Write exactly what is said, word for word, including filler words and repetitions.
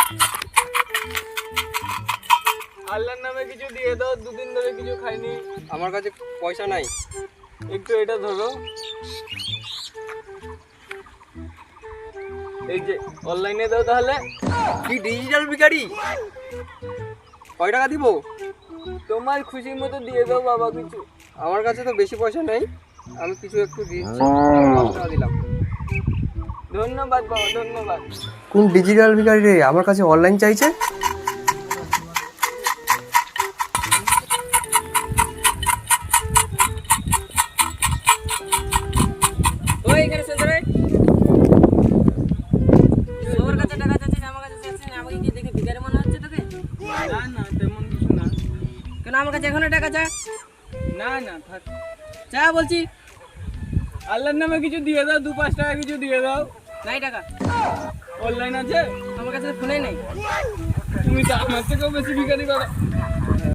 আল্লাহর নামে কিছু দিয়ে দাও, দুদিন ধরে কিছু খাইনি। আমার কাছে পয়সা নাই। একটু এটা ধরো, এই যে অনলাইনে দাও তাহলে। কি ডিজিটাল ভিখারি? কয় টাকা দিব? তোমার খুশির মতো দিয়ে দাও বাবা কিছু। আমার কাছে তো বেশি পয়সা নেই, আমি কিছু একটু দিচ্ছি। পাঁচ টাকা দিলাম। ধন্যবাদ বাবা, ধন্যবাদ। কোন ডিজিটাল ভিখারি রে আমার কাছে অনলাইন চাইছে? ওই এখানে শুনতে রে, সবার কাছে টাকা চাচ্ছিস, আমার কাছে চাচ্ছিস না। আমাকে কি দেখে ভিখারি মনে হচ্ছে তোকে? না না, তেমন কিছু না। কেন আমার কাছে এখনো টাকা চা? না না, থাক। চা বলছি। আল্লাহর নামে কিছু দিয়ে দাও, দু পাঁচ টাকা কিছু দিয়ে দাও। নাই টাকা, অনলাইন আছে? আমার কাছে ফোনে নেই। তুমি তো আমার থেকেও বেশি ভিখারি বাবা।